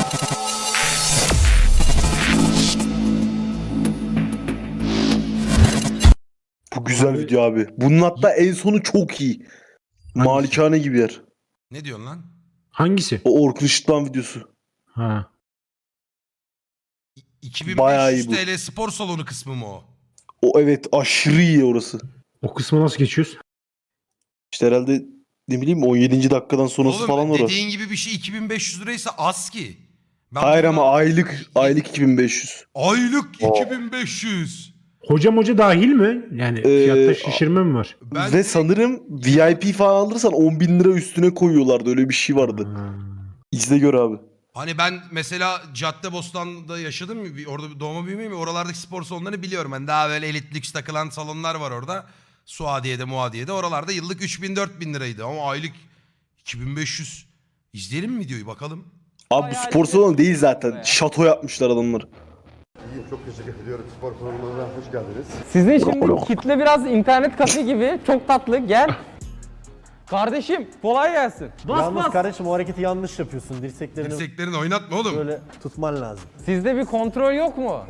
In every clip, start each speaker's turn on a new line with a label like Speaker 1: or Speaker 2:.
Speaker 1: Bu güzel video abi. Bunun hatta en sonu çok iyi. Malikane gibi yer.
Speaker 2: Ne diyorsun lan?
Speaker 3: Hangisi?
Speaker 1: O Orkun Işıtman videosu.
Speaker 3: Ha.
Speaker 2: 2500
Speaker 1: Bayağı iyi bu.
Speaker 2: TL spor salonu kısmı mı o?
Speaker 1: O evet aşırı iyi orası.
Speaker 3: O kısmı nasıl geçiyoruz?
Speaker 1: İşte herhalde ne bileyim 17. dakikadan sonrası
Speaker 2: Oğlum
Speaker 1: falan orası.
Speaker 2: dediğin gibi bir şey 2500 liraysa az ki. Ben
Speaker 1: Hayır
Speaker 2: bundan-
Speaker 1: ama aylık 2500.
Speaker 2: Aylık 2500.
Speaker 3: Hoca dahil mi? Yani fiyatta şişirme mi var?
Speaker 2: Ben
Speaker 1: Ve sanırım VIP falan alırsan 10.000 lira üstüne koyuyorlardı. Öyle bir şey vardı.
Speaker 3: Ha.
Speaker 1: İzle gör abi.
Speaker 2: Hani ben mesela Caddebostan'da yaşadım mı? Orada doğma büyümeyim mi? Oralardaki spor salonlarını biliyorum. Ben daha böyle elit lüks takılan salonlar var orada. Suadiye'de, Muadiye'de. Oralarda yıllık 3000-4000 liraydı. Ama aylık 2500. İzleyelim mi videoyu bakalım?
Speaker 1: Abi bu spor salonu değil zaten. Şato yapmışlar adamlar.
Speaker 4: İyiyim, çok teşekkür ediyorum. Spor salonuna hoş geldiniz.
Speaker 5: Sizin şimdi kitle biraz internet kafe gibi. Çok tatlı. Gel. Kardeşim kolay gelsin.
Speaker 6: Yalnız kardeşim o hareketi yanlış yapıyorsun. Dirseklerini
Speaker 2: Dirseklerini oynatma oğlum.
Speaker 6: böyle tutman lazım.
Speaker 5: Sizde bir kontrol yok mu?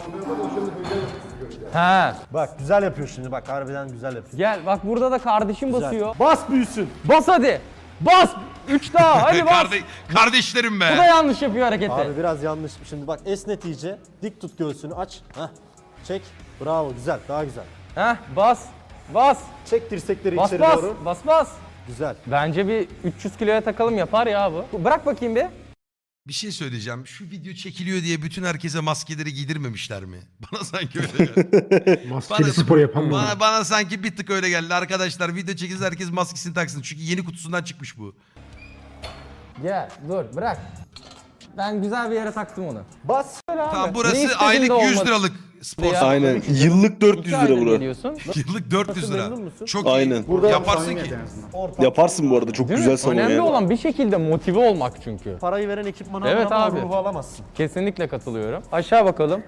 Speaker 5: He.
Speaker 6: Bak güzel yapıyor şimdi bak harbiden güzel yapıyor.
Speaker 5: Gel bak burada da kardeşim basıyor.
Speaker 6: Bas büyüsün.
Speaker 5: Bas hadi. Bas. 3 daha hadi bas.
Speaker 2: Kardeşlerim be.
Speaker 5: Bu da yanlış yapıyor hareketi.
Speaker 6: Abi biraz yanlış. Şimdi bak esnet iyice. Dik tut göğsünü aç. Heh. Çek. Bravo güzel daha güzel.
Speaker 5: Heh bas. Bas.
Speaker 6: Çek dirsekleri
Speaker 5: Bas
Speaker 6: içeri
Speaker 5: bas.
Speaker 6: doğru.
Speaker 5: Bas bas.
Speaker 6: Güzel.
Speaker 5: Bence bir 300 kiloya takalım yapar ya bu. Bırak bakayım bir.
Speaker 2: Bir şey söyleyeceğim. Şu video çekiliyor diye bütün herkese maskeleri giydirmemişler mi? Bana sanki öyle geldi.
Speaker 3: Maskeli spor yapan mı?
Speaker 2: Bana sanki bir tık öyle geldi. Arkadaşlar video çekilse herkes maskesini taksın. Çünkü yeni kutusundan çıkmış bu.
Speaker 5: Gel dur bırak. Ben güzel bir yere taktım onu.
Speaker 6: Bas.
Speaker 2: Tamam
Speaker 5: Ne
Speaker 2: burası
Speaker 5: istediğin
Speaker 2: aylık
Speaker 5: de
Speaker 2: 200
Speaker 5: olmadı.
Speaker 2: liralık spor
Speaker 5: Ya.
Speaker 2: salonu.
Speaker 1: Aynen. Yıllık 400
Speaker 5: 2
Speaker 1: lira
Speaker 5: aydır
Speaker 1: bura.
Speaker 5: geliyorsun.
Speaker 2: Yıllık 400 lira.
Speaker 6: Memnun musun?
Speaker 2: Çok
Speaker 1: Aynen.
Speaker 2: iyi.
Speaker 6: Burada
Speaker 2: Yaparsın ki.
Speaker 1: Yaparsın bu arada. Çok
Speaker 5: Değil
Speaker 1: güzel
Speaker 5: mi?
Speaker 1: salon
Speaker 5: Önemli
Speaker 1: yani.
Speaker 5: olan bir şekilde motive olmak çünkü.
Speaker 6: Parayı veren ekipmanı
Speaker 5: Evet
Speaker 6: ama
Speaker 5: abi.
Speaker 6: ruhu alamazsın.
Speaker 5: Kesinlikle katılıyorum. Aşağı bakalım.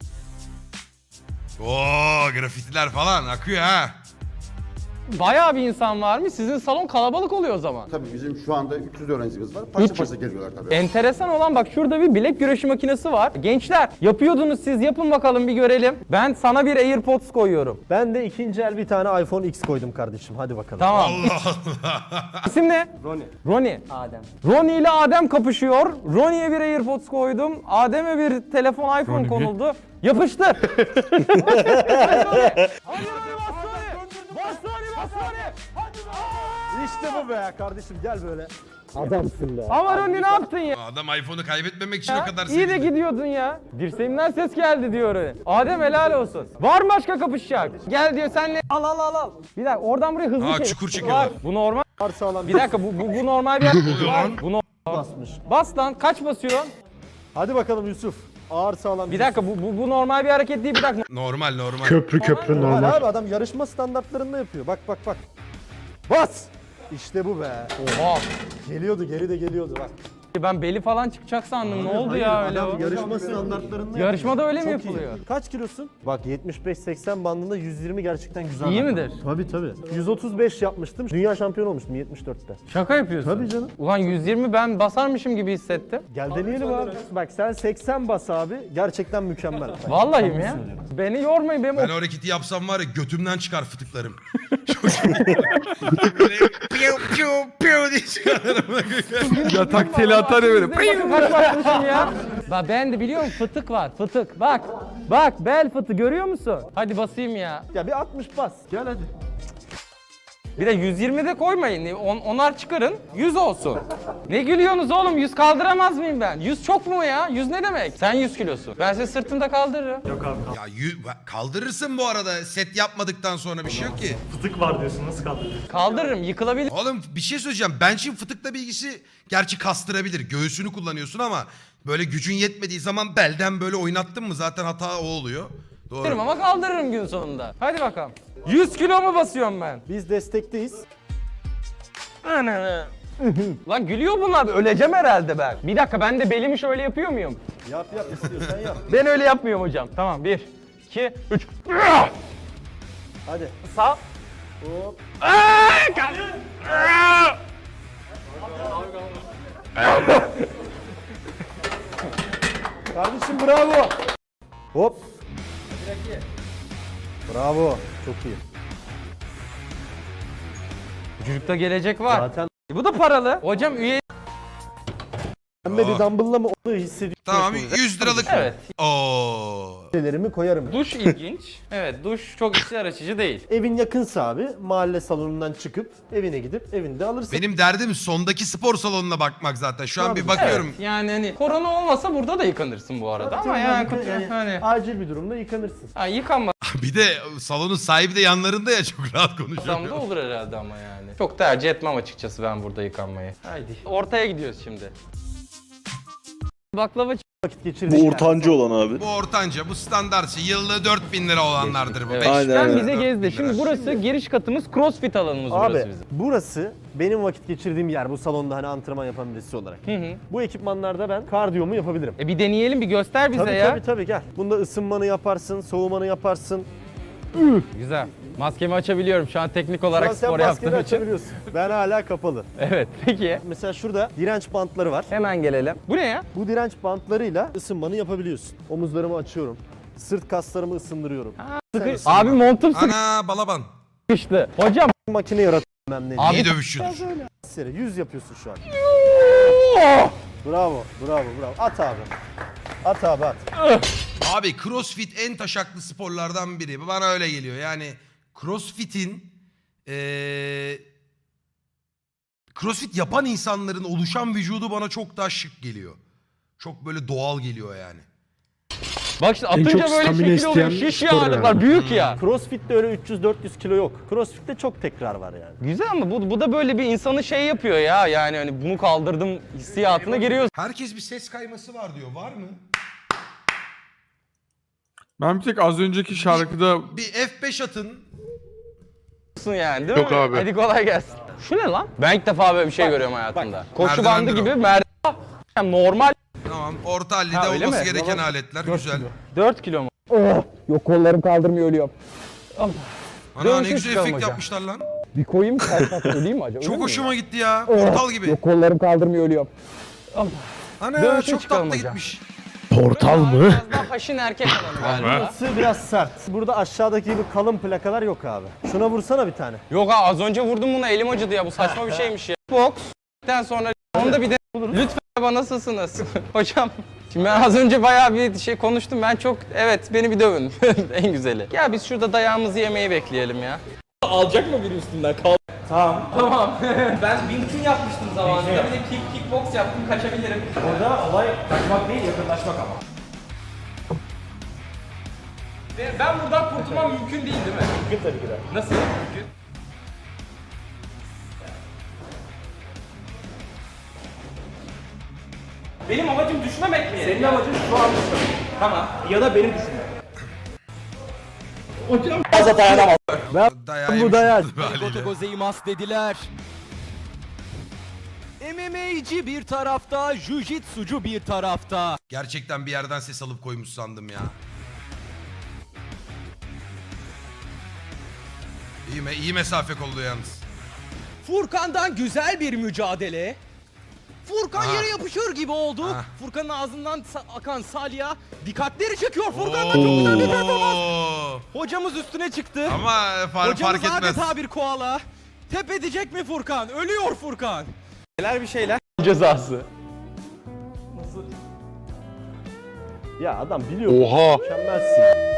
Speaker 2: Oo grafitiler falan akıyor ha.
Speaker 5: Bayağı bir insan var mı? Sizin salon kalabalık oluyor o zaman.
Speaker 4: Tabii bizim şu anda 300 öğrencimiz var. Parça
Speaker 5: 300.
Speaker 4: parça geliyorlar tabii.
Speaker 5: Enteresan olan bak şurada bir bilek güreşi makinesi var. Gençler yapıyordunuz siz yapın bakalım bir görelim. Ben sana bir AirPods koyuyorum.
Speaker 6: Ben de ikinci el bir tane iPhone X koydum kardeşim. Hadi bakalım.
Speaker 5: Tamam.
Speaker 2: Allah Allah.
Speaker 5: İsim ne? Ronnie. Adem. Ronnie ile Adem kapışıyor. Ronnie'ye bir AirPods koydum. Adem'e bir telefon iPhone konuldu. Yapıştır. Hadi Ronnie. Hadi Ronnie bas Ronnie. Bas Ronnie bas Ronnie. Hadi Ronnie.
Speaker 6: İşte bu be kardeşim gel böyle. Adamsın be.
Speaker 5: Ama Ronnie ne yaptın ya?
Speaker 2: Adam iPhone'u kaybetmemek için o kadar
Speaker 5: İyi de
Speaker 2: sevindi.
Speaker 5: gidiyordun ya. Dirseğimden ses geldi diyor öyle. Adem helal olsun. Var mı başka kapışacak? Gel diyor senle. Al al al al. Bir dakika oradan buraya hızlı
Speaker 2: Aa,
Speaker 5: çek.
Speaker 2: çukur çekiyorlar.
Speaker 5: Var. Bu normal.
Speaker 6: Varsa alan
Speaker 5: Bir dakika bu normal bir
Speaker 2: oluyor lan?
Speaker 5: Bu
Speaker 6: basmış.
Speaker 5: Bas lan kaç basıyorsun?
Speaker 6: Hadi bakalım Yusuf. Ağır sağlam.
Speaker 5: Bir dakika bu normal bir hareket değil bir dakika.
Speaker 2: Normal normal.
Speaker 3: Köprü
Speaker 6: Normal
Speaker 3: normal.
Speaker 6: abi adam yarışma standartlarında yapıyor. Bak bak bak. Bas. İşte bu be.
Speaker 5: Oha.
Speaker 6: Geliyordu geri de geliyordu bak.
Speaker 5: Ben beli falan çıkacak sandım. Ne oldu ya öyle o?
Speaker 6: Adam yarışma standartlarında
Speaker 5: Yarışmada öyle mi
Speaker 6: Çok iyi.
Speaker 5: yapılıyor?
Speaker 6: Kaç kilosun? Bak 75-80 bandında 120 gerçekten güzel.
Speaker 5: İyi
Speaker 6: rakam.
Speaker 5: midir?
Speaker 6: Tabii tabii. 135 yapmıştım. Dünya şampiyonu olmuştum 74'te.
Speaker 5: Şaka yapıyorsun.
Speaker 6: Tabii canım.
Speaker 5: Ulan 120 ben basarmışım gibi hissettim.
Speaker 6: Gel deneyelim abi. Bak sen 80 bas abi. Gerçekten mükemmel.
Speaker 5: Vallahi mi ya? Beni yormayın benim
Speaker 2: Ben o hareketi yapsam var ya götümden çıkar fıtıklarım. Böyle piu piu piu diye çıkarırım.
Speaker 5: yatak teli atar ya böyle. Kaç basmışım ya? Bak ben de biliyorum fıtık var fıtık. Bak bel fıtığı görüyor musun? Hadi basayım ya.
Speaker 6: Ya bir 60 bas. Gel hadi.
Speaker 5: Bir de 120 de koymayın. Onar çıkarın. 100 olsun. Ne gülüyorsunuz oğlum? 100 kaldıramaz mıyım ben? 100 çok mu ya? 100 ne demek? Sen 100 kilosun. Ben seni sırtımda kaldırırım.
Speaker 2: Ya kaldırırsın bu arada set yapmadıktan sonra bir şey yok ki.
Speaker 7: Fıtık var diyorsun, nasıl kaldırıyorsun?
Speaker 5: Kaldırırım. Yıkılabilir.
Speaker 2: Oğlum bir şey söyleyeceğim. Bench'in fıtıkla bilgisi gerçi kastırabilir. Göğsünü kullanıyorsun ama böyle gücün yetmediği zaman belden böyle oynattın mı zaten hata o oluyor. Doğru.
Speaker 5: Ama kaldırırım gün sonunda. Hadi bakalım. 100 kilo mu basıyorum ben?
Speaker 6: Biz destekteyiz.
Speaker 5: Lan gülüyor bunlar. Öleceğim herhalde ben. Bir dakika ben de belimi şöyle yapıyor muyum?
Speaker 6: Yap istiyorsan yap.
Speaker 5: Ben öyle yapmıyorum hocam. Tamam 1, 2, 3.
Speaker 6: Hadi.
Speaker 5: Sağ.
Speaker 6: Hop. Kardeşim bravo. Hop. Bravo. Çok iyi.
Speaker 5: Çocukta gelecek var.
Speaker 6: Zaten
Speaker 5: Bu da paralı. Hocam üye...
Speaker 6: pembe bir dumbbell'la mı onu hissediyorum.
Speaker 2: Tamam 100 liralık.
Speaker 5: Evet.
Speaker 2: Oo.
Speaker 6: Şeylerimi koyarım.
Speaker 5: Duş ilginç. Evet duş çok içler açıcı değil.
Speaker 6: Evin yakınsa abi mahalle salonundan çıkıp evine gidip evinde alırsın.
Speaker 2: Benim derdim sondaki spor salonuna bakmak zaten. Şu an
Speaker 6: Tabii.
Speaker 2: bir bakıyorum.
Speaker 5: Evet, yani hani korona olmasa burada da yıkanırsın bu arada ama yani, hani
Speaker 6: acil bir durumda yıkanırsın.
Speaker 5: ha, yıkanmasam
Speaker 2: Bir de salonun sahibi de yanlarında ya, çok rahat konuşuyor.
Speaker 5: da olur herhalde ama yani. Çok tercih etmem açıkçası ben burada yıkanmayı. Haydi. Ortaya gidiyoruz şimdi. Baklava
Speaker 6: Vakit geçirdik.
Speaker 1: Bu ortancı olan abi.
Speaker 2: Bu ortanca, bu standart şey. Yıllığı 4000 lira olanlardır bu.
Speaker 5: Evet.
Speaker 2: Beş-
Speaker 1: Aynen,
Speaker 5: Sen
Speaker 1: aynen.
Speaker 5: bize gezdi. Şimdi burası giriş katımız, crossfit alanımız burası
Speaker 6: Abi
Speaker 5: bizim.
Speaker 6: burası benim vakit geçirdiğim yer bu salonda hani antrenman yapan birisi olarak.
Speaker 5: Hı.
Speaker 6: Bu ekipmanlarda ben kardiyomu yapabilirim.
Speaker 5: Bir deneyelim, bir göster bize
Speaker 6: Tabii
Speaker 5: ya.
Speaker 6: tabii gel. Bunda ısınmanı yaparsın, soğumanı yaparsın.
Speaker 5: Güzel. Maskemi açabiliyorum şu an teknik
Speaker 6: Şu an
Speaker 5: olarak
Speaker 6: sen
Speaker 5: spor
Speaker 6: maskeni
Speaker 5: yaptığım için.
Speaker 6: açabiliyorsun. Ben hala kapalı.
Speaker 5: Evet, peki.
Speaker 6: Mesela şurada direnç bantları var.
Speaker 5: Hemen gelelim. Bu ne ya?
Speaker 6: Bu direnç bantlarıyla ısınmanı yapabiliyorsun. Omuzlarımı açıyorum. Sırt kaslarımı ısındırıyorum.
Speaker 5: Abi montum
Speaker 2: Ana balaban.
Speaker 5: sıkıştı. Hocam.
Speaker 6: Makine yaratıyorum hem
Speaker 5: Abi-
Speaker 2: İyi dövüşçüdür.
Speaker 6: Seri 100 yapıyorsun şu an. Bravo, bravo, bravo. At abi. At abi at.
Speaker 2: Abi crossfit en taşaklı sporlardan biri. Bana öyle geliyor. Yani crossfit'in crossfit yapan insanların oluşan vücudu bana çok daha şık geliyor. Çok böyle doğal geliyor yani.
Speaker 5: Bak işte
Speaker 3: En
Speaker 5: atınca
Speaker 3: çok
Speaker 5: böyle
Speaker 3: stamina
Speaker 5: şekil oluyor.
Speaker 3: isteyen
Speaker 5: Şiş
Speaker 3: spor
Speaker 5: ya.
Speaker 3: yani.
Speaker 5: Büyük ya.
Speaker 6: Crossfit'te öyle 300-400 kilo yok. Crossfit'te çok tekrar var yani.
Speaker 5: Güzel ama bu da böyle bir insanı şey yapıyor ya. Yani hani bunu kaldırdım hissiyatına giriyorsun
Speaker 2: Herkes bir ses kayması var diyor. Var mı?
Speaker 7: Ben bir tek az önceki şarkıda
Speaker 2: Bir F5 atın.
Speaker 5: yani değil
Speaker 7: Yok
Speaker 5: mi?
Speaker 7: abi.
Speaker 5: Hadi kolay gelsin. Şu ne lan? Ben ilk defa böyle bir şey görüyorum hayatımda. Koşu bandı
Speaker 2: merdivendir
Speaker 5: gibi
Speaker 2: o.
Speaker 5: merdiven. Yani normal.
Speaker 2: Tamam. Orta hallide
Speaker 5: Ha, öyle
Speaker 2: olması
Speaker 5: mi?
Speaker 2: gereken aletler. Güzel.
Speaker 5: 4 kilo mu? Oh, yok kollarım kaldırmıyor ölüyorum.
Speaker 2: Ana ne
Speaker 5: Dövüşe
Speaker 2: güzel
Speaker 5: çıkalım
Speaker 2: efekt
Speaker 5: hocam.
Speaker 2: yapmışlar lan.
Speaker 5: Bir koyayım kalkmak öleyim mi acaba?
Speaker 2: Çok
Speaker 5: Ölür mü
Speaker 2: hoşuma gitti ya.
Speaker 5: ya?
Speaker 2: Portal gibi.
Speaker 5: Yok kollarım kaldırmıyor ölüyorum.
Speaker 2: Ana
Speaker 5: Dövüşe
Speaker 2: çok
Speaker 5: çıkalım
Speaker 2: tatlı
Speaker 5: hocam.
Speaker 2: gitmiş.
Speaker 3: Portal mı?
Speaker 5: Biraz daha haşin erkek alanı galiba.
Speaker 6: Burası biraz sert. Burada aşağıdaki gibi kalın plakalar yok abi. Şuna vursana bir tane.
Speaker 5: Yok ha az önce vurdum buna elim acıdı ya bu saçma bir şeymiş ya. Box'ten sonra onu da bir de lütfen bana nasılsınız hocam. Şimdi ben az önce bayağı bir şey konuştum ben çok evet beni bir dövün en güzeli. Ya biz şurada dayağımızı yemeyi bekleyelim ya. Alacak mı biri üstünden? Tamam. Ben Wing yapmıştım zamanında. Bir de kickbox yaptım kaçabilirim.
Speaker 6: Orada olay kaçmak değil yakınlaşmak ama.
Speaker 5: Ve ben buradan kurtulmam mümkün değil mi?
Speaker 6: Mümkün tabii ki de.
Speaker 5: Nasıl mümkün? Benim amacım düşmemek mi?
Speaker 6: Senin amacın şu an düşmek.
Speaker 5: Tamam.
Speaker 6: Ya da beni düşünmek.
Speaker 2: Dayağı
Speaker 6: Bu
Speaker 2: yemiş
Speaker 6: dayak.
Speaker 2: oldu be haliyle.
Speaker 8: Goto Gozaimasu dediler. MMA'ci bir tarafta, Jiu-Jitsu'cu bir tarafta.
Speaker 2: Gerçekten bir yerden ses alıp koymuş sandım ya. İyi mesafe kolluyor yalnız.
Speaker 8: Furkan'dan güzel bir mücadele. Furkan
Speaker 2: Ha.
Speaker 8: yere yapışır gibi oldu.
Speaker 2: Ha.
Speaker 8: Furkan'ın ağzından akan salya dikkatleri çekiyor. Furkan'dan çok güzel bir performans.
Speaker 2: Oo.
Speaker 8: Hocamız üstüne çıktı.
Speaker 2: Ama
Speaker 8: Hocamız
Speaker 2: fark etmez.
Speaker 8: adeta bir koala. Tep edecek mi Furkan? Ölüyor Furkan.
Speaker 5: Bir şeyler. Cezası.
Speaker 6: Ya adam biliyor.
Speaker 7: Oha.
Speaker 6: Mükemmelsin.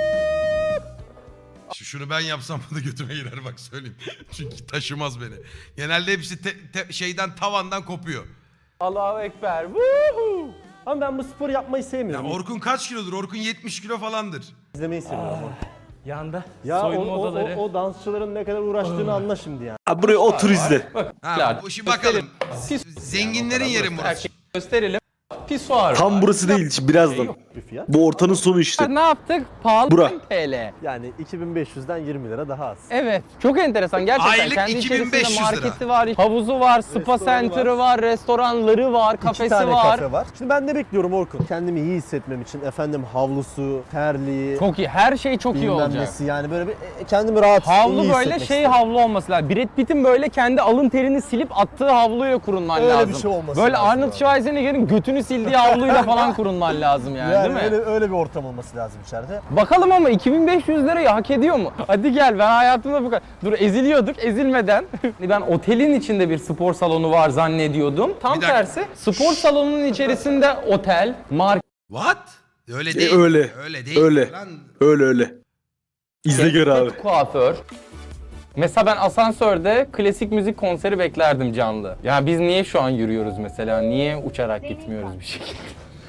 Speaker 2: Şunu ben yapsam da götüme girer bak söyleyeyim. Çünkü taşımaz beni. Genelde hepsi şeyden tavandan kopuyor.
Speaker 5: Allahu Ekber. Woohoo!
Speaker 6: Ama ben bu sporu yapmayı
Speaker 2: Ya
Speaker 6: sevmiyorum.
Speaker 2: Orkun kaç kilodur? Orkun 70 kilo falandır.
Speaker 6: İzlemeyi seviyorum.
Speaker 5: Yanda.
Speaker 6: Ya
Speaker 5: Soyunma
Speaker 6: o
Speaker 5: odaları.
Speaker 6: dansçıların ne kadar uğraştığını anla şimdi yani.
Speaker 1: Abi buraya otur izle.
Speaker 2: Ha, şimdi bakalım. Zenginlerin yeri mi burası?
Speaker 5: Erkek gösterelim. Pisuar.
Speaker 1: Tam burası değil birazdan.
Speaker 6: Bir fiyat.
Speaker 1: Bu ortanın sonu işte.
Speaker 5: Ne yaptık? Pahalı
Speaker 1: Bura.
Speaker 5: 1000 TL.
Speaker 6: Yani 2500'den 20 lira daha az.
Speaker 5: Evet. Çok enteresan gerçekten.
Speaker 2: Aylık
Speaker 5: Kendi
Speaker 2: 2500
Speaker 5: içerisinde
Speaker 2: lira.
Speaker 5: marketi var, havuzu var, spa
Speaker 6: Restoranı
Speaker 5: center'ı var, restoranları var,
Speaker 6: İki
Speaker 5: kafesi
Speaker 6: tane
Speaker 5: var.
Speaker 6: kafe var. Şimdi ben ne bekliyorum Orkun? Kendimi iyi hissetmem için efendim havlusu, terliği,
Speaker 5: Çok iyi. Her şey çok iyi
Speaker 6: bilmem
Speaker 5: olacak.
Speaker 6: nesi yani böyle bir kendimi rahat iyi
Speaker 5: Havlu böyle
Speaker 6: hissetmek
Speaker 5: şey
Speaker 6: istiyorum.
Speaker 5: havlu olması lazım. Brad Pitt'in böyle kendi alın terini silip attığı havluyla kurunman
Speaker 6: Öyle
Speaker 5: lazım.
Speaker 6: bir şey olması
Speaker 5: böyle
Speaker 6: lazım
Speaker 5: Arnold
Speaker 6: abi.
Speaker 5: Schwarzenegger'in götünü silip çekildiği havluyla falan kurulman lazım yani, değil mi?
Speaker 6: öyle bir ortam olması lazım içeride.
Speaker 5: Bakalım ama 2500 lirayı hak ediyor mu? Hadi gel, ben hayatımda bu kadar... Dur, eziliyorduk, ezilmeden. Ben otelin içinde bir spor salonu var zannediyordum. Tam
Speaker 2: Bir dakika.
Speaker 5: tersi, spor salonunun içerisinde otel, market,
Speaker 2: What? Öyle değil.
Speaker 1: öyle.
Speaker 2: Öyle değil.
Speaker 1: Öyle.
Speaker 2: Lan.
Speaker 1: Öyle. İzle gör abi.
Speaker 5: kuaför. Mesela ben asansörde klasik müzik konseri beklerdim canlı. Yani biz niye şu an yürüyoruz mesela? Niye uçarak gitmiyoruz bir şekilde?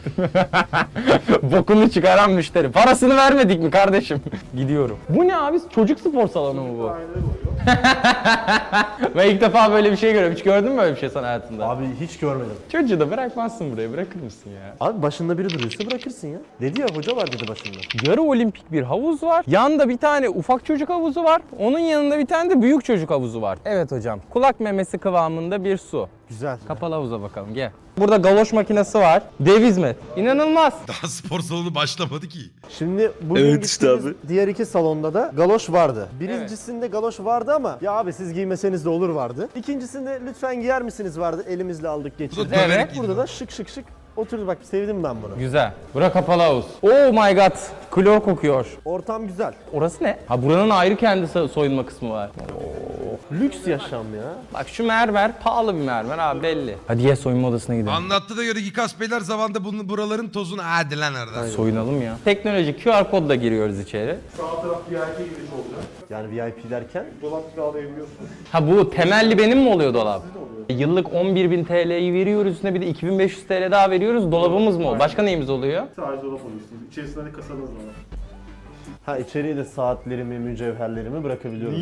Speaker 5: Bokunu çıkaran müşteri. Parasını vermedik mi kardeşim? Gidiyorum. Bu ne abi? Çocuk spor salonu mu bu? Ben ilk defa böyle bir şey görüyorum. Hiç gördün mü böyle bir şey sen hayatında?
Speaker 6: Abi hiç görmedim.
Speaker 5: Çocuğu da bırakmazsın buraya. Bırakır mısın ya?
Speaker 6: Abi başında biri duruyorsa bırakırsın ya. Dedi ya, hoca var dedi başında.
Speaker 5: Yarı olimpik bir havuz var. Yanında bir tane ufak çocuk havuzu var. Onun yanında bir tane de büyük çocuk havuzu var. Evet hocam. Kulak memesi kıvamında bir su.
Speaker 6: Güzel.
Speaker 5: Kapalı havuza bakalım, gel. Burada galoş makinesi var. Dev hizmet. İnanılmaz.
Speaker 2: Daha spor salonu başlamadı ki.
Speaker 6: Şimdi bugün
Speaker 1: Evet işte
Speaker 6: gittiğimiz diğer iki salonda da galoş vardı. Birincisinde galoş vardı ama ya abi siz giymeseniz de olur vardı. İkincisinde lütfen giyer misiniz vardı. Elimizle aldık geçirdik.
Speaker 2: Evet.
Speaker 5: Evet.
Speaker 6: Burada da şık şık şık oturdu, bak sevdim ben bunu.
Speaker 5: Güzel. Bura kapalı havuz. Oh my god. Klor kokuyor.
Speaker 6: Ortam güzel.
Speaker 5: Orası ne? Ha, buranın ayrı kendi soyunma kısmı var.
Speaker 6: Lüks yaşam ya.
Speaker 5: Bak şu mermer pahalı bir mermer abi, belli. Hadi gel soyunma odasına gidelim.
Speaker 2: Anlattı da göre Gikas Beyler zamanında buraların tozunu hadi lan nereden?
Speaker 5: Soyunalım ya. Teknoloji QR kodla giriyoruz içeri.
Speaker 6: Yani VIP derken
Speaker 5: Ha, bu temelli benim mi oluyor dolap? Yıllık 11.000 TL'yi veriyoruz, üstüne bir de 2500 TL daha veriyoruz. Dolabımız mı oluyor? Başka neyimiz oluyor?
Speaker 9: Sadece dolap alıyorsunuz. İçerisinde de kasanız var.
Speaker 6: ha içeriye de saatlerimi, mücevherlerimi bırakabiliyorum.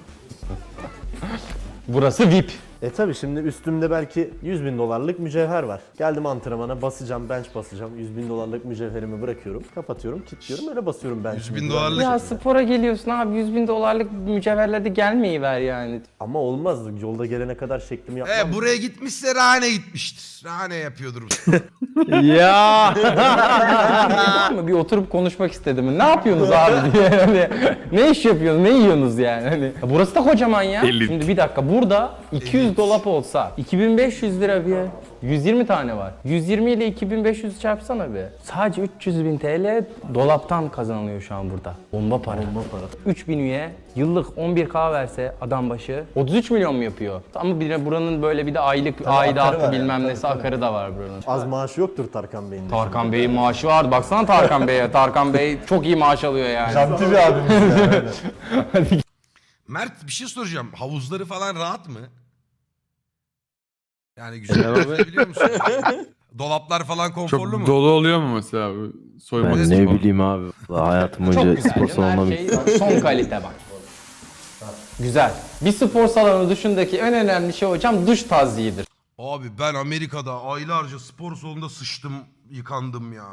Speaker 5: Burası VIP.
Speaker 6: Tabi şimdi üstümde belki 100.000 dolarlık mücevher var. Geldim antrenmana basacağım, bench basacağım. 100.000 dolarlık mücevherimi bırakıyorum, kapatıyorum, kilitliyorum, öyle basıyorum bench'imi.
Speaker 2: 100.000 dolarlık.
Speaker 5: Ya spora geliyorsun abi, 100.000 dolarlık mücevherle de gelmeyi ver yani.
Speaker 6: Ama olmaz, yolda gelene kadar şeklimi yapmam.
Speaker 2: Buraya gitmişse Rane gitmiştir. Rane yapıyordur.
Speaker 5: Ya. Bir oturup konuşmak istedim. Ne yapıyorsunuz abi diye. Hani, ne iş yapıyorsunuz? Ne yiyorsunuz yani? Hani, burası da kocaman ya. Şimdi bir dakika, burada 200 dolap olsa 2500 lira bir 120 tane var. 120 ile 2500 çarpsana bir. Sadece 300.000 TL dolaptan kazanılıyor şu an burada. Bomba para. 3000 üye yıllık 11K verse adam başı 33 milyon mu yapıyor? Ama bir de buranın böyle bir de aylık
Speaker 6: akarı var
Speaker 5: aidatı
Speaker 6: ya,
Speaker 5: bilmem
Speaker 6: tabii,
Speaker 5: nesi
Speaker 6: tabii.
Speaker 5: akarı da var buranın.
Speaker 6: Az maaşı yoktur Tarkan Bey'in de.
Speaker 5: Tarkan Bey'in maaşı vardı. Baksana Tarkan Bey'e. Tarkan Bey çok iyi maaş alıyor yani.
Speaker 6: Janti bir abimiz ya, öyle.
Speaker 2: Mert bir şey soracağım. Havuzları falan rahat mı? Yani güzel biliyor musun? Dolaplar falan konforlu
Speaker 7: Çok
Speaker 2: mu?
Speaker 7: dolu oluyor mu mesela bu soyunma
Speaker 1: Ben
Speaker 7: odası
Speaker 1: ne
Speaker 7: falan?
Speaker 1: bileyim abi. Hayatım
Speaker 5: Çok
Speaker 1: boyunca
Speaker 5: güzel.
Speaker 1: spor salonuna
Speaker 5: Her şey son kalite bak. Güzel. Bir spor salonu dışındaki en önemli şey hocam duş tazyiğidir.
Speaker 2: Abi ben Amerika'da aylarca spor salonunda sıçtım, yıkandım ya.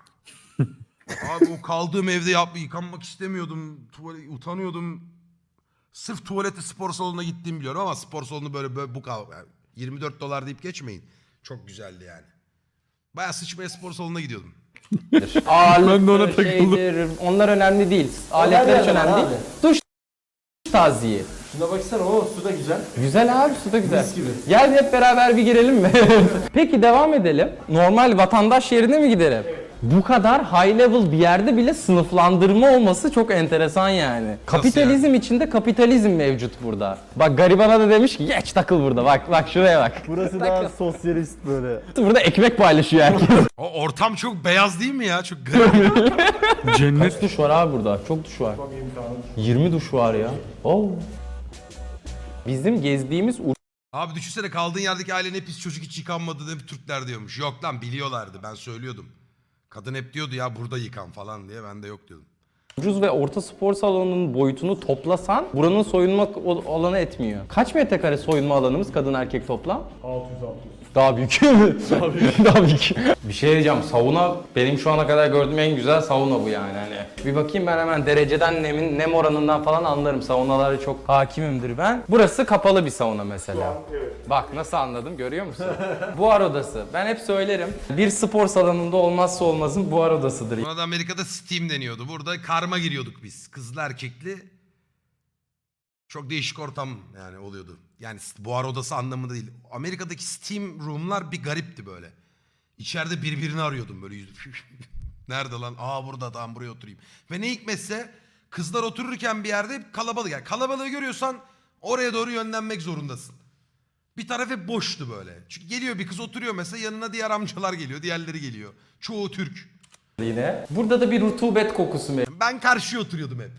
Speaker 2: Abi o kaldığım evde yıkanmak istemiyordum. Utanıyordum. Sırf tuvalete spor salonuna gittiğimi biliyorum ama spor salonu böyle bu yani 24 dolar deyip geçmeyin. Çok güzeldi yani. Bayağı sıçmaya spor salonuna gidiyordum.
Speaker 7: Ben de ona
Speaker 5: Ağırlıktır,
Speaker 7: takıldım.
Speaker 5: şeydir, onlar önemli değil. Aletler hiç önemli değil. Duş tazyiği.
Speaker 6: Şuna baksana, o su da güzel.
Speaker 5: Güzel abi, su da güzel.
Speaker 6: Mis gibi.
Speaker 5: Gel hep beraber bir girelim mi? Peki devam edelim. Normal vatandaş yerine mi gidelim? Bu kadar high level bir yerde bile sınıflandırma olması çok enteresan yani. Kapitalizm içinde kapitalizm mevcut burada. Bak garibana da demiş ki geç takıl burada. Bak şuraya bak.
Speaker 6: Burası daha sosyalist böyle.
Speaker 5: Burada ekmek paylaşıyor herkes.
Speaker 2: O ortam çok beyaz değil mi ya? Çok garip.
Speaker 7: Cennet.
Speaker 5: Kaç duş var abi burada? Çok duş var. 20 duş var ya. Oo. Bizim gezdiğimiz
Speaker 2: Abi düşünsene kaldığın yerdeki ailen hep pis çocuk hiç yıkanmadı hep Türkler diyormuş. Yok lan biliyorlardı, ben söylüyordum. Kadın hep diyordu ya burada yıkan falan diye, ben de yok diyordum.
Speaker 5: ucuz ve orta spor salonunun boyutunu toplasan buranın soyunma alanı etmiyor. Kaç metrekare soyunma alanımız kadın erkek toplam? 600. Daha büyük. Daha büyük. Bir şey diyeceğim, sauna benim şu ana kadar gördüğüm en güzel sauna bu yani. Hani bir bakayım, ben hemen dereceden nem oranından falan anlarım. Saunalara çok hakimimdir ben. Burası kapalı bir sauna mesela. Bak nasıl anladım, görüyor musun? Buhar odası. Ben hep söylerim. Bir spor salonunda olmazsa olmazın buhar odasıdır.
Speaker 2: Buna da Amerika'da steam deniyordu. Burada karma giriyorduk biz. Kızlı erkekli. Çok değişik ortam yani oluyordu. Yani buhar odası anlamında değil. Amerika'daki steam room'lar bir garipti böyle. İçeride birbirini arıyordum böyle. Nerede lan? Aa burada, tamam buraya oturayım. Ve ne hikmetse kızlar otururken bir yerde hep kalabalık. Yani kalabalığı görüyorsan oraya doğru yönlenmek zorundasın. Bir taraf hep boştu böyle. Çünkü geliyor bir kız oturuyor mesela, yanına diğer amcalar geliyor, diğerleri geliyor. Çoğu Türk.
Speaker 5: Yine. Burada da bir rutubet kokusu
Speaker 2: Ben karşıya oturuyordum hep.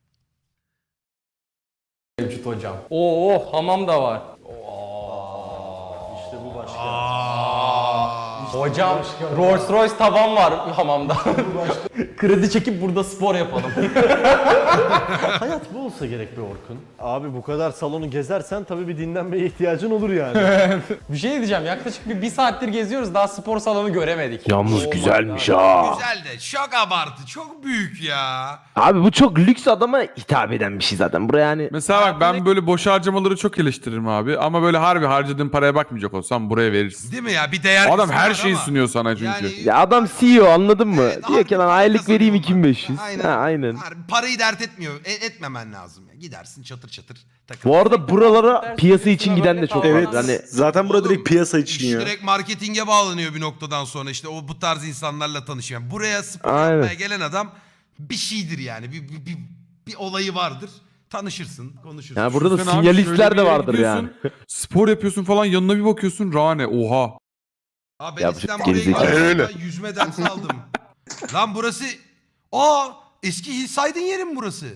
Speaker 5: mevcut hocam. Oo, hamam da var.
Speaker 6: İşte bu başka.
Speaker 5: Hocam Rolls Royce tavan var hamamda. Kredi çekip burada spor yapalım.
Speaker 6: Hayat bu olsa gerek be Orkun. Abi bu kadar salonu gezersen tabii bir dinlenmeye ihtiyacın olur yani.
Speaker 5: Bir şey diyeceğim, yaklaşık bir saattir geziyoruz, daha spor salonu göremedik.
Speaker 1: Yalnız güzelmiş ha.
Speaker 2: Güzel de çok abartı, çok büyük ya.
Speaker 1: Abi bu çok lüks adama hitap eden bir şey zaten. Buraya yani
Speaker 7: Mesela bak ben böyle boş harcamaları çok eleştiririm abi. Ama böyle harbi harcadığın paraya bakmayacak olsam buraya verirsin.
Speaker 2: Değil mi ya? Bir değer
Speaker 7: Adam
Speaker 2: kısmı
Speaker 7: her
Speaker 2: var
Speaker 7: şeyi
Speaker 2: ama.
Speaker 7: sunuyor sana çünkü.
Speaker 2: Yani-
Speaker 1: ya adam CEO anladın mı?
Speaker 2: Evet,
Speaker 1: Diyor ki lan
Speaker 2: harbi
Speaker 1: aylık
Speaker 2: para
Speaker 1: vereyim
Speaker 2: kazanıyorum ben.
Speaker 1: 2500.
Speaker 2: Aynen.
Speaker 1: Ha, aynen.
Speaker 2: Harbi parayı dert etmiyor. Etmemen lazım. Ya. Gidersin çatır çatır takıl.
Speaker 1: Bu arada buralara piyasa için giden de çok var.
Speaker 5: Evet.
Speaker 1: Hani
Speaker 10: Zaten burada
Speaker 2: Oğlum,
Speaker 10: direkt piyasa için
Speaker 2: iş
Speaker 10: ya.
Speaker 2: direkt marketinge bağlanıyor bir noktadan sonra, işte o bu tarz insanlarla tanışıyor. Yani buraya spor
Speaker 1: Aynen.
Speaker 2: yapmaya gelen adam bir şeydir yani. Bir olayı vardır. Tanışırsın, konuşursun.
Speaker 1: yani burada da
Speaker 7: Sen abi
Speaker 1: sinyalistler
Speaker 7: şöyle bir
Speaker 1: de
Speaker 7: yere
Speaker 1: vardır
Speaker 7: gidiyorsun,
Speaker 1: yani.
Speaker 7: Spor yapıyorsun falan, yanına bir bakıyorsun Rane, oha.
Speaker 2: Abi ben
Speaker 1: Ya bu
Speaker 2: eskiden
Speaker 1: çok
Speaker 2: buraya
Speaker 1: gerizekalı.
Speaker 2: gidiyordum. Yüzme dersi aldım. Lan burası... Eski Hillside'ın yeri mi burası?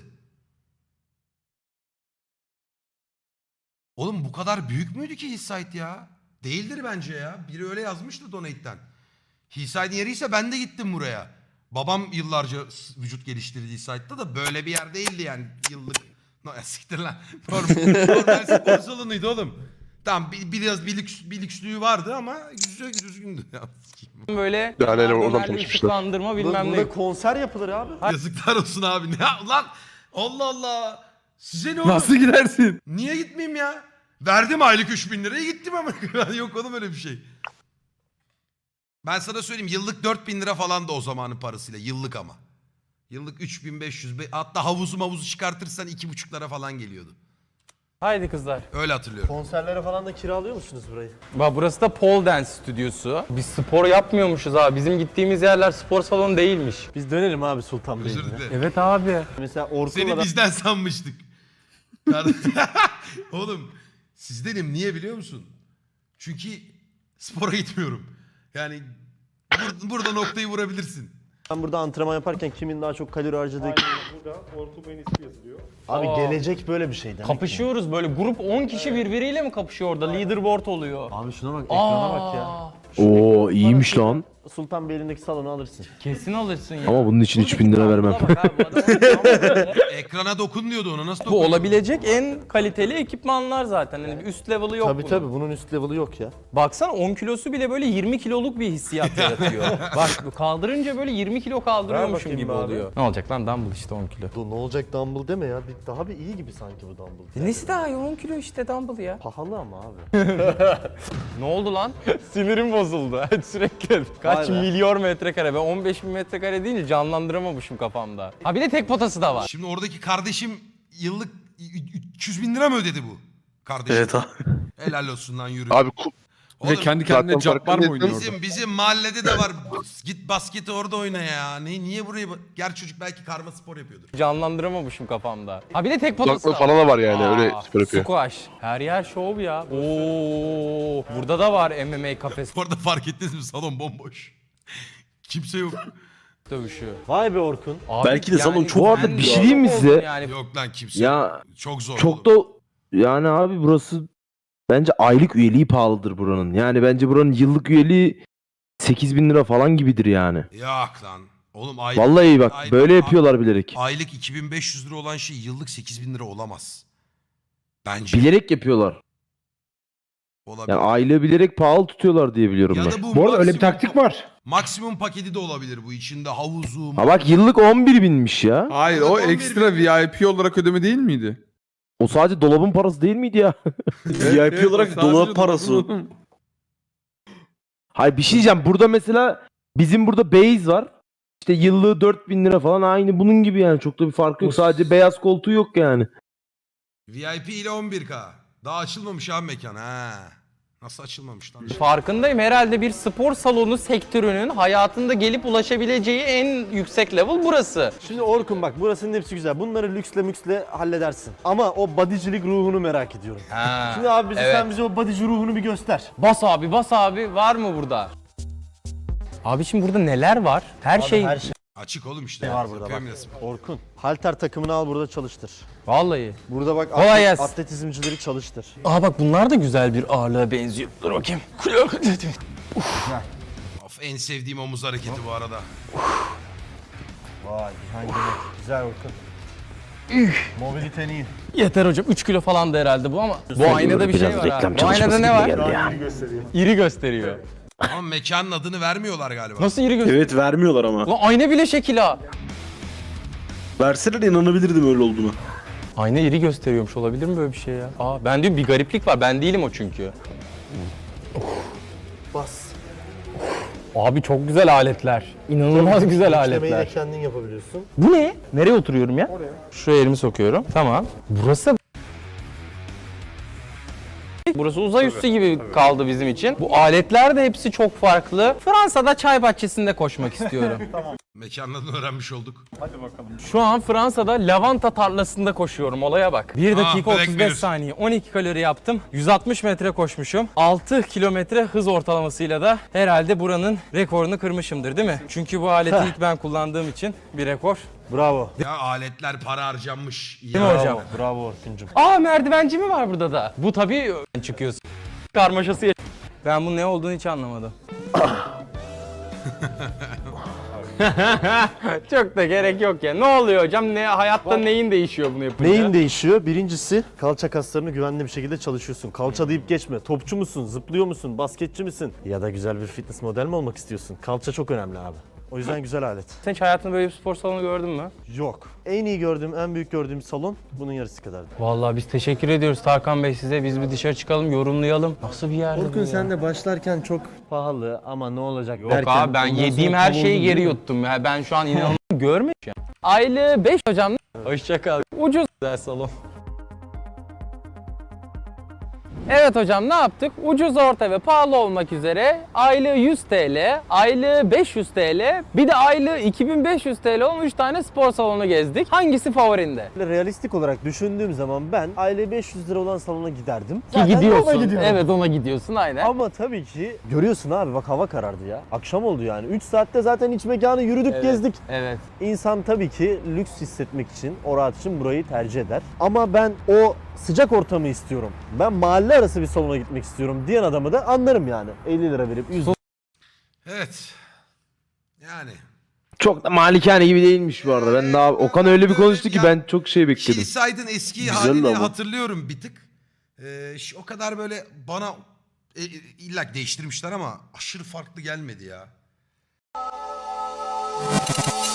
Speaker 2: Oğlum bu kadar büyük müydü ki Hillside ya? Değildir bence ya. Biri öyle yazmıştı Donate'den. Hillside'ın yeriyse ben de gittim buraya. Babam yıllarca vücut geliştirdi Hillside'da da böyle bir yer değildi yani yıllık. No, ya siktir lan. Normal spor salonuydu oğlum. Tamam biraz bir lükslüğü vardı ama güzel düzgündü. Ya,
Speaker 5: Böyle
Speaker 10: Yani oradan
Speaker 5: dönerli
Speaker 10: tanışmışlar.
Speaker 5: ışıklandırma bilmem ne.
Speaker 6: Burada konser yapılır abi.
Speaker 2: yazıklar olsun abi. Ne lan? Allah Allah. Size ne oldu?
Speaker 7: Nasıl gidersin?
Speaker 2: Niye gitmeyeyim ya? Verdim aylık 3000 liraya gittim ama. Yok oğlum öyle bir şey. Ben sana söyleyeyim, yıllık 4000 lira falan da o zamanın parasıyla. Yıllık ama. Yıllık 3500. Hatta havuzu çıkartırsan 2,5'lara falan geliyordu.
Speaker 5: Haydi kızlar.
Speaker 2: Öyle hatırlıyorum.
Speaker 6: Konserlere falan da kiralıyor musunuz burayı?
Speaker 5: Bak burası da pole dance stüdyosu. Biz spor yapmıyormuşuz abi. Bizim gittiğimiz yerler spor salonu değilmiş.
Speaker 6: Biz dönelim abi Sultan Bey'e.
Speaker 2: Özür dilerim.
Speaker 5: Evet abi.
Speaker 6: Mesela Orkun'la
Speaker 2: Seni
Speaker 6: da
Speaker 2: bizden sanmıştık. Oğlum sizdenim, niye biliyor musun? Çünkü spora gitmiyorum. Yani burada noktayı vurabilirsin.
Speaker 6: ben burada antrenman yaparken kimin daha çok kalori harcadığı...
Speaker 9: Burada Orkun Bey'in ismi yazılıyor.
Speaker 6: Abi
Speaker 5: Aa.
Speaker 6: gelecek böyle bir şey demek ki.
Speaker 5: Kapışıyoruz böyle. Grup 10 kişi birbiriyle mi kapışıyor orada? Leaderboard oluyor.
Speaker 6: Abi şuna bak, ekrana bak ya.
Speaker 1: Oo iyiymiş lan.
Speaker 6: Sultan Beyli'ndeki salonu alırsın.
Speaker 5: Kesin alırsın ya.
Speaker 1: Ama bunun için 3000 lira vermem.
Speaker 2: Ekrana dokun diyordu, ona nasıl
Speaker 5: Bu
Speaker 2: dokun?
Speaker 5: olabilecek en kaliteli ekipmanlar zaten. Yani bir üst level'ı yok
Speaker 6: Tabii
Speaker 5: bunun.
Speaker 6: tabii bunun üst level'ı yok ya.
Speaker 5: Baksana 10 kilosu bile böyle 20 kiloluk bir hissiyat yaratıyor. Bak bu kaldırınca böyle 20 kilo kaldırıyormuşum
Speaker 6: bakayım
Speaker 5: gibi
Speaker 6: abi.
Speaker 5: oluyor. Ne olacak lan, dumbbell işte 10 kilo.
Speaker 6: Bu ne olacak dumbbell deme ya. Daha bir iyi gibi sanki bu dumbbell.
Speaker 5: Nesi daha iyi, 10 kilo işte dumbbell ya.
Speaker 6: Pahalı ama abi.
Speaker 5: Ne oldu lan? Sinirim bozuldu sürekli. Kaç
Speaker 6: Vay be.
Speaker 5: milyon metrekare? Ben 15 bin metrekare deyince canlandıramamışım kafamda. Ha bir de tek potası da var.
Speaker 2: Şimdi oradaki kardeşim yıllık 300 bin lira mı ödedi bu? Kardeşim.
Speaker 10: Evet abi.
Speaker 2: Helal olsun lan, yürü.
Speaker 10: Abi
Speaker 2: Oğlum,
Speaker 7: Ve kendi kendine
Speaker 10: zaten
Speaker 7: Cabbar mı
Speaker 10: farkında
Speaker 7: oynuyor orada?
Speaker 2: bizim mahallede de var. Git basketi orada oyna ya. Niye buraya... Gerçi çocuk belki karma spor yapıyordur.
Speaker 5: Canlandıramamışım kafamda. Ha bir de tek potası
Speaker 10: kulaklığı
Speaker 5: da var.
Speaker 10: falan da var yani öyle
Speaker 5: Aa,
Speaker 10: spor yapıyor.
Speaker 5: Squash. Her yer şov ya. Oo, burada da var MMA kafes
Speaker 2: Bu arada fark ettiniz mi? Salon bomboş. Kimse yok.
Speaker 5: dövüşü.
Speaker 6: Vay be Orkun.
Speaker 5: Abi
Speaker 10: Belki de salon çok-
Speaker 1: Bu arada
Speaker 5: ben
Speaker 1: bir
Speaker 5: de
Speaker 1: şey diyeyim mi
Speaker 5: şok
Speaker 1: size?
Speaker 5: oldum Yani.
Speaker 2: Yok lan kimse.
Speaker 1: Ya
Speaker 2: Çok zor.
Speaker 1: çok da yani abi burası bence aylık üyeliği pahalıdır buranın. Yani bence buranın yıllık üyeliği 8000 lira falan gibidir yani.
Speaker 2: Yok lan. Oğlum aylık,
Speaker 1: Vallahi bak
Speaker 2: aylık-
Speaker 1: böyle yapıyorlar bilerek.
Speaker 2: aylık 2500 lira olan şey yıllık 8000 lira olamaz. Bence.
Speaker 1: Bilerek yapıyorlar.
Speaker 2: Olabilir.
Speaker 1: Yani aylığı bilerek pahalı tutuyorlar diye biliyorum
Speaker 2: Ya
Speaker 1: ben.
Speaker 2: da bu
Speaker 3: Bu arada öyle bir
Speaker 2: maksimum-
Speaker 3: taktik var.
Speaker 2: Maksimum paketi de olabilir bu. İçinde havuzu.
Speaker 1: Ha bak yıllık 11 binmiş ya.
Speaker 7: Hayır o ekstra VIP olarak ödeme değil miydi?
Speaker 1: O sadece dolabın parası değil miydi ya?
Speaker 10: VIP olarak
Speaker 7: sadece
Speaker 10: dolap parası.
Speaker 7: dolabın-
Speaker 1: Hayır bir şey diyeceğim. Burada mesela bizim burada base var. İşte yıllığı 4000 lira falan aynı bunun gibi yani. Çok da bir fark yok. Sadece beyaz koltuğu yok yani.
Speaker 2: VIP ile 11K. Daha açılmamış abi mekan ha. Nasıl açılmamış lan?
Speaker 5: Farkındayım. Herhalde bir spor salonu sektörünün hayatında gelip ulaşabileceği en yüksek level burası.
Speaker 6: Şimdi Orkun bak burasının hepsi güzel. Bunları lüksle müksle halledersin. Ama o bodycilik ruhunu merak ediyorum.
Speaker 5: Ha,
Speaker 6: Şimdi abi
Speaker 5: evet.
Speaker 6: sen bize o bodyci ruhunu bir göster.
Speaker 5: Bas abi, bas abi. Var mı burada? Abi şimdi burada neler var? Her şey...
Speaker 6: Her şey
Speaker 2: Açık oğlum işte.
Speaker 6: var burada bak.
Speaker 2: Yapıyorum resmen.
Speaker 6: Orkun, halter takımını al burada çalıştır.
Speaker 5: Vallahi.
Speaker 6: Burada bak
Speaker 5: Kolay gelsin.
Speaker 6: atletizmcileri çalıştır.
Speaker 5: Aa bak bunlar da güzel bir ağırlığa benziyor. Dur bakayım.
Speaker 2: Of, en sevdiğim omuz hareketi bu arada.
Speaker 6: Vay hangi güzel Orkun. Mobiliten iyi.
Speaker 5: Yeter hocam. 3 kilo falan da herhalde bu ama. Bu aynada bir şey
Speaker 1: Biraz
Speaker 5: var
Speaker 1: reklam
Speaker 5: ha. Bu aynada
Speaker 1: çalışması
Speaker 5: ne
Speaker 1: gibi
Speaker 5: var?
Speaker 1: geldi ya.
Speaker 6: İyi gösteriyor.
Speaker 5: İri gösteriyor.
Speaker 2: Ama mekanın adını vermiyorlar galiba.
Speaker 5: Nasıl iri gösteriyor?
Speaker 10: Evet vermiyorlar ama.
Speaker 5: Lan ayna bile şekil ha.
Speaker 10: Verseler inanabilirdim öyle olduğunu.
Speaker 5: Ayna iri gösteriyormuş. Olabilir mi böyle bir şey ya? Aa ben diyorum bir gariplik var. Ben değilim o çünkü.
Speaker 6: Bas.
Speaker 5: Abi çok güzel aletler. İnanılmaz güzel
Speaker 6: İşlemeyi de
Speaker 5: aletler.
Speaker 6: kendin yapabiliyorsun.
Speaker 5: Bu ne? Nereye oturuyorum ya? Oraya. Şuraya elimi sokuyorum. Tamam. Burası uzay üssü gibi kaldı bizim için. Bu aletler de hepsi çok farklı. Fransa'da çay bahçesinde koşmak istiyorum.
Speaker 2: Mekanın adını öğrenmiş olduk.
Speaker 5: Şu an Fransa'da lavanta tarlasında koşuyorum. Olaya bak. 1 dakika
Speaker 2: Black
Speaker 5: 35
Speaker 2: Mirror.
Speaker 5: saniye. 12 kalori yaptım. 160 metre koşmuşum. 6 kilometre hız ortalamasıyla da herhalde buranın rekorunu kırmışımdır değil mi? Çünkü bu aleti ilk ben kullandığım için bir rekor.
Speaker 6: Bravo.
Speaker 2: Ya aletler para harcanmış.
Speaker 5: Değil mi
Speaker 2: Ya.
Speaker 5: hocam?
Speaker 6: Bravo Orkun'cum.
Speaker 5: Aa merdivenci mi var burada da? Bu tabii çıkıyorsun. Karmaşası Ben bunun ne olduğunu hiç anlamadım. Çok da gerek yok ya. Ne oluyor hocam? Ne hayatta neyin değişiyor bunu yapınca?
Speaker 6: Neyin değişiyor? Birincisi kalça kaslarını güvenli bir şekilde çalışıyorsun. Kalça deyip geçme. Topçu musun? Zıplıyor musun? Basketçi misin? Ya da güzel bir fitness model mi olmak istiyorsun? Kalça çok önemli abi. O yüzden güzel alet.
Speaker 5: Sen hiç hayatında böyle bir spor salonu gördün mü?
Speaker 6: Yok. En iyi gördüğüm, en büyük gördüğüm salon bunun yarısı kadardı.
Speaker 5: Vallahi biz teşekkür ediyoruz Tarkan Bey size. Biz bir dışarı çıkalım, yorumlayalım. Nasıl bir yerdi bu
Speaker 6: Orkun
Speaker 5: ya?
Speaker 6: sen de başlarken çok pahalı ama ne olacak
Speaker 5: Yok
Speaker 6: derken...
Speaker 5: abi ben
Speaker 6: ondan
Speaker 5: yediğim
Speaker 6: sonra
Speaker 5: her
Speaker 6: tam
Speaker 5: şeyi
Speaker 6: oldu
Speaker 5: geri
Speaker 6: değil mi?
Speaker 5: yuttum ya. Ben şu an inanılmaz görmüyorum. Aylığı 5 hocam. Hoşça kal. Ucuz güzel salon. Evet hocam ne yaptık? Ucuz, orta ve pahalı olmak üzere aylığı 100 TL, aylığı 500 TL, bir de aylığı 2500 TL olan 3 tane spor salonu gezdik. Hangisi favorinde?
Speaker 6: Realistik olarak düşündüğüm zaman ben aile 500 lira olan salona giderdim.
Speaker 5: Ki
Speaker 6: Zaten
Speaker 5: gidiyorsun.
Speaker 6: ona gidiyorum.
Speaker 5: Evet ona gidiyorsun aynen.
Speaker 6: Ama tabii ki görüyorsun abi bak hava karardı ya. Akşam oldu yani. 3 saatte zaten iç mekanı yürüdük
Speaker 5: Evet.
Speaker 6: gezdik.
Speaker 5: Evet.
Speaker 6: İnsan tabii ki lüks hissetmek için, o rahat için burayı tercih eder. Ama ben o sıcak ortamı istiyorum. Ben mahalle arası bir salona gitmek istiyorum diyen adamı da anlarım yani. 50 lira verip 100
Speaker 2: Evet. Yani.
Speaker 1: Çok da malikane gibi değilmiş bu arada. Ben daha Okan öyle bir konuştu ki ben çok şey bekledim.
Speaker 2: Hillside'ın eski
Speaker 10: Güzel
Speaker 2: halini
Speaker 10: ama.
Speaker 2: hatırlıyorum bir tık. O kadar böyle bana illa ki değiştirmişler ama aşırı farklı gelmedi ya.